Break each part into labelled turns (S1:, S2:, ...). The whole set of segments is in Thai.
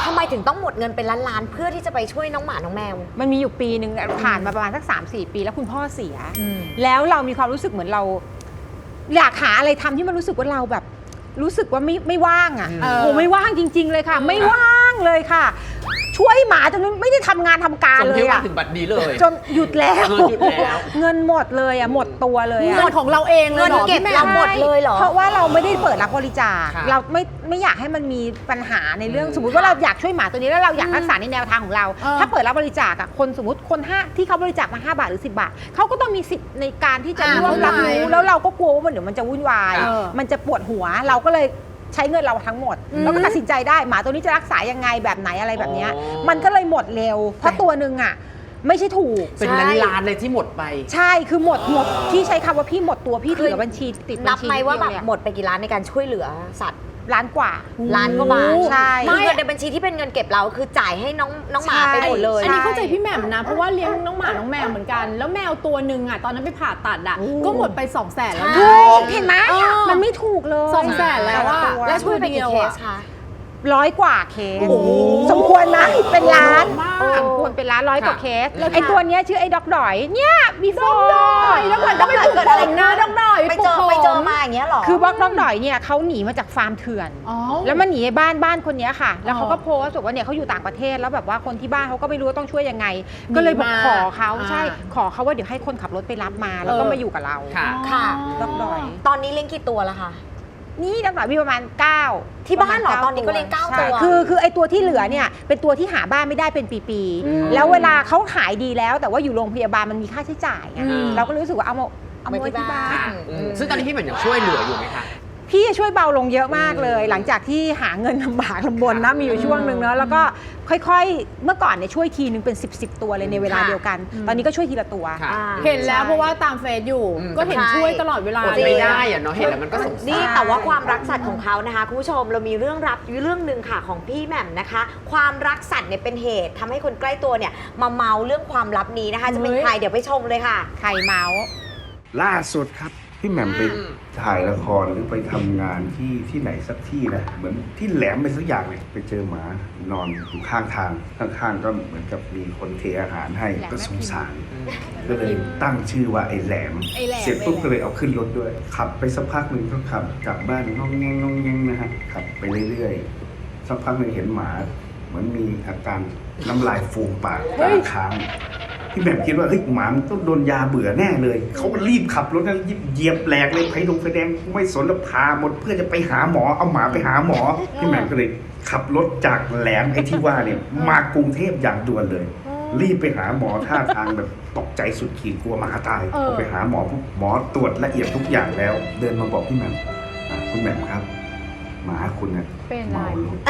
S1: ทำไมถึงต้องหมดเงินเป็นล้านๆเพื่อที่จะไปช่วยน้องหมาน้องแมว
S2: มันมีอยู่ปีหนึ่งผ่านมาประมาณสัก 3-4 ปีแล้วคุณพ่อเสียแล้วเรามีความรู้สึกเหมือนเราอยากหาอะไรทำที่มันรู้สึกว่าเราแบบรู้สึกว่าไม่ว่างอ่ะโอ้ไม่ว่างจริงๆเลยค่ะไม่ว่างเลยค่ะช่วยหมาจนไม่ได้ทำงานทำการเลยอะ
S3: ถึงบัดนี้เลย
S2: จนหยุดแล้วเงินหมดเลยอะหมดตัวเลยอะ
S4: เงินของเราเองเลยเหรอ
S1: เก็บเราหมดเลยเหรอ
S2: เพราะว่าเราไม่ได้เปิดรับบริจาคเราไม่อยากให้มันมีปัญหาในเรื่องสมมติว่าเราอยากช่วยหมาตัวนี้แล้วเราอยากรักษาในแนวทางของเราถ้าเปิดรับบริจาคอะคนสมมติคนที่เขาบริจาคมา5 บาทหรือ10 บาทเขาก็ต้องมีสิทธิ์ในการที่จะร่วมรับรู้แล้วเราก็กลัวว่าเดี๋ยวมันจะวุ่นวายมันจะปวดหัวเราก็เลยใช้เงินเราทั้งหมดแล้วก็ตัดสินใจได้หมาตัวนี้จะรักษายังไงแบบไหนอะไรแบบนี้มันก็เลยหมดเร็วเพราะตัวหนึ่งอ่ะไม่ใช่ถูก
S3: เป็นล้านๆเลยที่หมดไป
S2: ใช่คือหมดที่ใช้คำว่าพี่หมดตัวพี่เหลือบัญชีติดบัญชี
S1: นับไหมว่าแบบหมดไปกี่ล้านในการช่วยเหลือสัตว์
S2: ล้านกว่า
S1: ล้านกว่าบาท
S2: ใช่
S1: เงินในบัญชีที่เป็นเงินเก็บเราคือจ่ายให้น้องหมาไปหมดเลย
S4: อันนี้เข้าใจพี่แหม่มนะเพราะว่าเลี้ยงน้องหมาน้องแมวเหมือนกันแล้วแมวตัวหนึ่งอ่ะตอนนั้นไปผ่าตัดอ่ะก็หมดไป200,000แล้ว
S2: เห็นไหมมันไม่ถูกเลย
S4: 200,000แล้วว่า
S1: แล้วช่วยไปกี่เคสคะ
S2: 100 กว่าเคสสมควรนะเป็นล้านสมควรเป็นล้าน100 กว่าเคสไอ้ตัวเนี้ยชื่อไอ้ด็อกดอยเนี่ยบีฟอร์
S4: แล้วมันก็ไม่ถูกอะไรนะด็อกดอย
S1: ไปเจอมาอย่างเงี้ยหรอ
S2: คือบล็อกด็อกดอยเนี่ยเขาหนีมาจากฟาร์มเถื่อนแล้วมันหนีบ้านคนนี้ค่ะแล้วเขาก็โพสต์บอกว่าเนี่ยเขาอยู่ต่างประเทศแล้วแบบว่าคนที่บ้านเขาก็ไม่รู้ว่าต้องช่วยยังไงก็เลยบอกขอเขาใช่ขอเขาว่าเดี๋ยวให้คนขับรถไปรับมาแล้วก็มาอยู่กับเรา
S1: ค่ะ
S2: ด็อกดอย
S1: ตอนนี้เลี้ยงกี่ตัวแล้วคะ
S2: นี่ด็อกดอยมีประมาณ9
S1: ที่บ้านเหรอตอนนี้ก็เลี้ยง9 ตัว
S2: คือไอ้ตัวที่เหลือเนี่ยเป็นตัวที่หาบ้านไม่ได้เป็นปีๆแล้วเวลาเขาหายดีแล้วแต่ว่าอยู่โรงพยาบาลมันมีค่าใช้จ่ายเราก็รู้สึกว่าเอาไว้ที่บ้าน
S3: ซึ่งตอนนี้พี่เหมือนยังช่วยเหลืออยู่ไหมคะ
S2: พี่ช่วยเบาลงเยอะมากเลยหลังจากที่หาเงินลำบากลำบนนะมีอยู่ช่วงหนึ่งเนาะแล้วก็ค่อยๆเมื่อก่อนเนี่ยช่วยทีนึงเป็น10ตัวเลยในเวลาเดียวกันตอนนี้ก็ช่วยทีละตัว
S4: เห็นแล้วเพราะว่าตามเฟซอยู่ก็เห็นช่วยตลอดเวลา
S3: ไม่ได้อะเนาะเห็นแล้วมันก็สงสาร
S1: นี่แต่ว่าความรักสัตว์ของเขานะคะคุณผู้ชมเรามีเรื่องหนึ่งค่ะของพี่แหม่มนะคะความรักสัตว์เนี่ยเป็นเหตุทำให้คนใกล้ตัวเนี่ยมาเมาเรื่องความลับนี้นะคะจะเป็นใครเดี๋ยวไปชมเลยค่ะ
S2: ใครเมา
S5: ล่าสุดครับพี่แหม่มไปถ่ายละครหรือไปทำงานที่ไหนสักที่นะเหมือนที่แหลมไปสักอย่างเลยไปเจอหมานอนอยู่ข้างทางข้างๆก็เหมือนกับมีคนเทอาหารให้ก็สงสารก็เลยตั้งชื่อว่าไอ้แหลมเสร็จปุ๊บก็เลยเอาขึ้นรถด้วยขับไปสักพักหนึ่งก็ขับกลับบ้านงองแงงนะฮะขับไปเรื่อยๆสักพักหนึ่งเห็นหมาเหมือนมีอาการน้ำลายฟูมปากตาค้างพี่แหม่มคิดว่าเฮ้ยหมามันต้องโดนยาเบื่อแน่เลยเขาก็รีบขับรถนั้นเหยียบแหลกเลยไฟแดงไม่สนแล้วพาหมดเพื่อจะไปหาหมอเอาหมาไปหาหมอพี่แหม่มก็เลยขับรถจากแหลมไอ้ที่ว่าเนี่ยมากรุงเทพอย่างด่วนเลยรีบไปหาหมอท่าทางแบบตกใจสุดขีดกลัวหมาตายพอไปหาหมอหมอตรวจละเอียดทุกอย่างแล้วเดินมาบอกพี่แหม่มคุณแหม่มครับหมาคุณเนี่ยเมารถ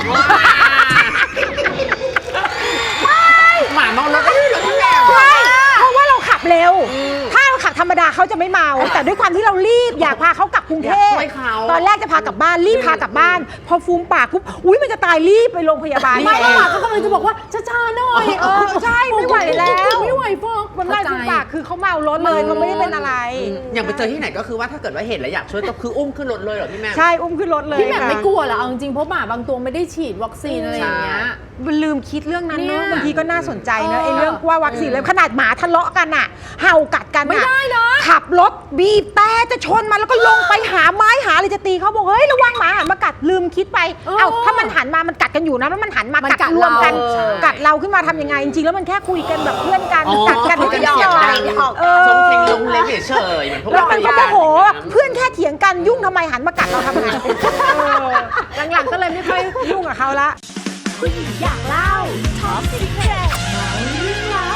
S3: หมาเมารถก็ได้เหรอพี่แหม่ม
S2: เพราะว่าเราขับเร็วถ้าเราขับธรรมดาเขาจะไม่เมาแต่ด้วยความที่เรารีบอยากพาเขากลับกรุงเทพตอนแรกจะพากลับบ้านรีบพากลับบ้านพอฟูมปากปุ๊บอุ้ยมันจะตายรีบไปโรงพยาบาล
S4: ไม่หมาเขากำลังจะบอกว่าช้าๆหน่อย
S2: ใช่ไม่ไหวแล้ว
S4: ไม่ไหวฟอก
S2: มันไล่ฟูมปากคือเขาเมารถเลยเขาไม่ได้เป็นอะไร
S3: อย่างไปเจอที่ไหนก็คือว่าถ้าเกิดว่าเห็นแล้วอยากช่วยก็คืออุ้มขึ้นรถเลยเหรอพี่แม่
S2: ใช่อุ้มขึ้นรถเลย
S4: พี่แม่ไม่กลัวเหรอเอาจริงเพราะหมาบางตัวไม่ได้ฉีดวัคซีนอะไรอย่างเงี้ย
S2: มันลืมคิดเรื่องนั้นเนอะบางทีก็น่าสนใจนะไอ้เรื่องว่าวัคซีนเลยขนาดหมาทะเลาะกันอ่ะเห่ากัดกัน
S4: ไม่ได้นะ
S2: ขับรถบีบแต่จะชนมันแล้วก็ลงไปหาไม้หาอะไรจะตีเขาบอกเฮ้ยระวังหมาหันมากัดลืมคิดไปเอ้าถ้ามันหันมามันกัดกันอยู่นะแล้วมันหันมากัดรวมกันกัดเราขึ้นมาทำยังไงจริงๆแล้วมันแค่คุยกันแบบเพื่อนกันกัดกันไม่ได้หยอก
S3: ชงเพลงลงเล็กเฉยเหมือนพวก
S2: เรา
S3: เป็น
S2: ก็โมโหเพื่อนแค่เถียงกันยุ่งทำไมหันมากัดเราทำไมหลังๆก็เลยไม่ค่อยยุ่งกับเขาละ
S6: ผู้หญิงอยากเล่าท็อปซีเคร็ตเมาเรื่องราว